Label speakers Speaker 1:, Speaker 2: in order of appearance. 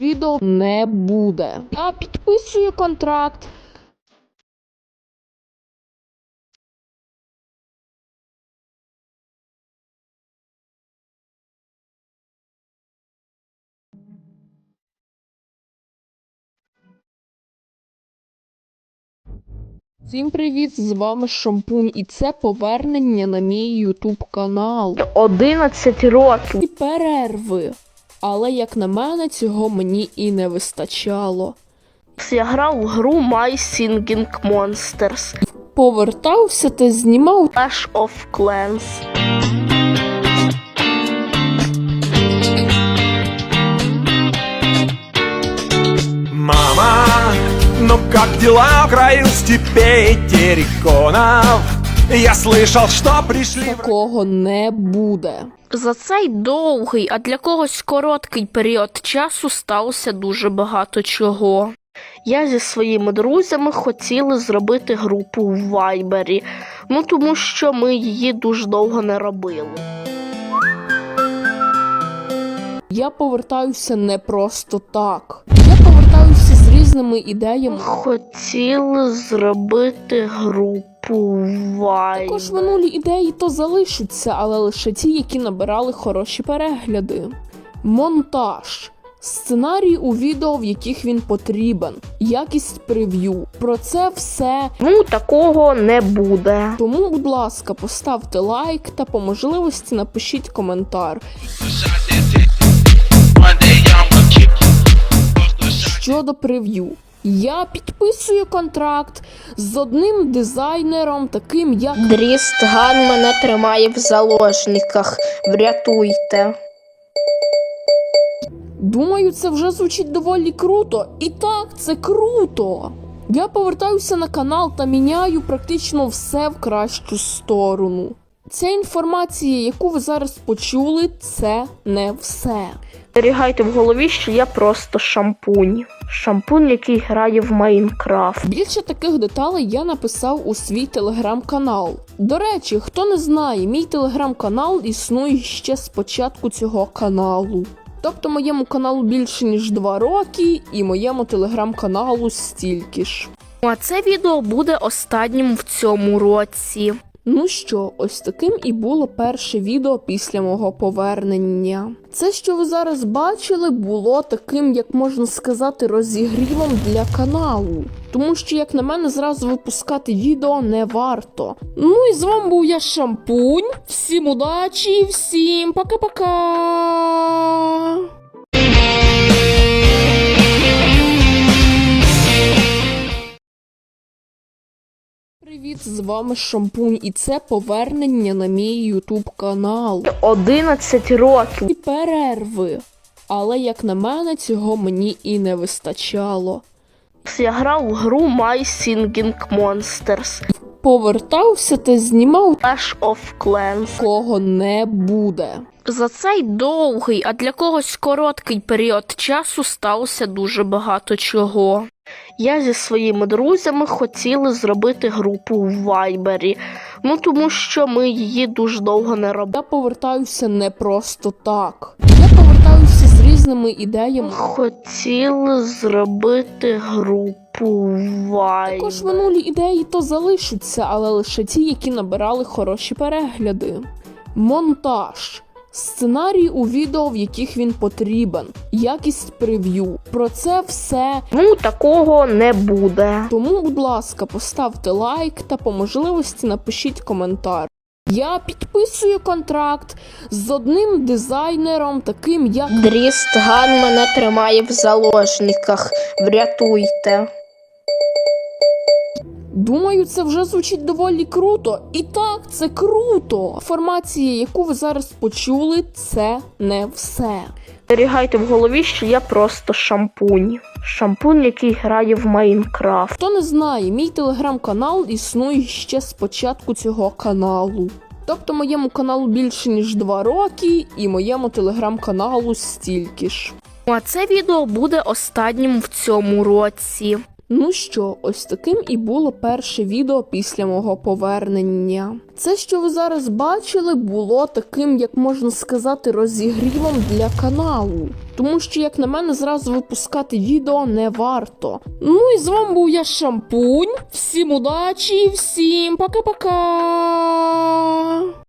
Speaker 1: Відео не буде. Я підписую контракт. Всім привіт, з вами Шампунь, і це повернення на мій YouTube канал.
Speaker 2: 11 років.
Speaker 1: І перерви. Але, як на мене, цього мені і не вистачало.
Speaker 2: Я грав у гру My Singing Monsters.
Speaker 1: Повертався та знімав
Speaker 2: Clash of Clans.
Speaker 3: Мама, ну как дела в краю степей терриконов? Я слышал, что пришли...
Speaker 1: такого не буде.
Speaker 2: За цей довгий, а для когось короткий період часу сталося дуже багато чого. Я зі своїми друзями хотіли зробити групу в Вайбері, тому що ми її дуже довго не робили.
Speaker 1: Я повертаюся не просто так. Я повертаюся з різними ідеями.
Speaker 2: Хотіли зробити групу в Вайбері.
Speaker 1: Також минулі ідеї то залишаться, але лише ті, які набирали хороші перегляди. Монтаж. Сценарій у відео, в яких він потрібен. Якість прев'ю. Про це все.
Speaker 2: Такого не буде.
Speaker 1: Тому, будь ласка, поставте лайк та по можливості напишіть коментар. Щодо прев'ю. Я підписую контракт з одним дизайнером, таким як
Speaker 2: Дрістган мене тримає в заложниках. Врятуйте.
Speaker 1: Думаю, це вже звучить доволі круто. І так, це круто! Я повертаюся на канал та міняю практично все в кращу сторону. Ця інформація, яку ви зараз почули, це не все.
Speaker 2: Зберігайте в голові, що я просто шампунь. Шампунь, який грає в Майнкрафт.
Speaker 1: Більше таких деталей я написав у свій телеграм-канал. До речі, хто не знає, мій телеграм-канал існує ще з початку цього каналу. Тобто моєму каналу більше ніж 2 роки і моєму телеграм-каналу стільки ж.
Speaker 2: А це відео буде останнім в цьому році.
Speaker 1: Ну що, ось таким і було перше відео після мого повернення. Це, що ви зараз бачили, було таким, як можна сказати, розігрівом для каналу. Тому що, як на мене, зразу випускати відео не варто. Ну і з вами був я, Шампунь. Всім удачі, всім пока-пока! Привіт, з вами Шампунь, і це повернення на мій YouTube канал.
Speaker 2: 11 років.
Speaker 1: І перерви. Але, як на мене, цього мені і не вистачало.
Speaker 2: Я грав у гру My Singing Monsters.
Speaker 1: Повертався та знімав
Speaker 2: Clash of Clans.
Speaker 1: такого не буде.
Speaker 2: За цей довгий, а для когось короткий період часу сталося дуже багато чого. Я зі своїми друзями хотіли зробити групу в Вайбері, тому що ми її дуже довго не робили.
Speaker 1: Я повертаюся не просто так. Я повертаюся з різними ідеями.
Speaker 2: Хотіли зробити групу в Вайбері.
Speaker 1: Також минулі ідеї то залишаться, але лише ті, які набирали хороші перегляди. Монтаж. Сценарій у відео, в яких він потрібен. Якість прев'ю. Про це все.
Speaker 2: Такого не буде.
Speaker 1: Тому, будь ласка, поставте лайк та по можливості напишіть коментар. Я підписую контракт з одним дизайнером, таким як
Speaker 2: Дрістган мене тримає в заложниках. Врятуйте.
Speaker 1: Думаю, це вже звучить доволі круто. І так, це круто! Інформація, яку ви зараз почули, це не все.
Speaker 2: Зберігайте в голові, що я просто шампунь. Шампунь, який грає в Майнкрафт.
Speaker 1: Хто не знає, мій телеграм-канал існує ще з початку цього каналу. Тобто моєму каналу більше ніж 2 роки і моєму телеграм-каналу стільки ж.
Speaker 2: А це відео буде останнім в цьому році.
Speaker 1: Ну що, ось таким і було перше відео після мого повернення. Це, що ви зараз бачили, було таким, як можна сказати, розігрівом для каналу. Тому що, як на мене, зразу випускати відео не варто. Ну і з вами був я, Шампунь. Всім удачі, всім пока-пока!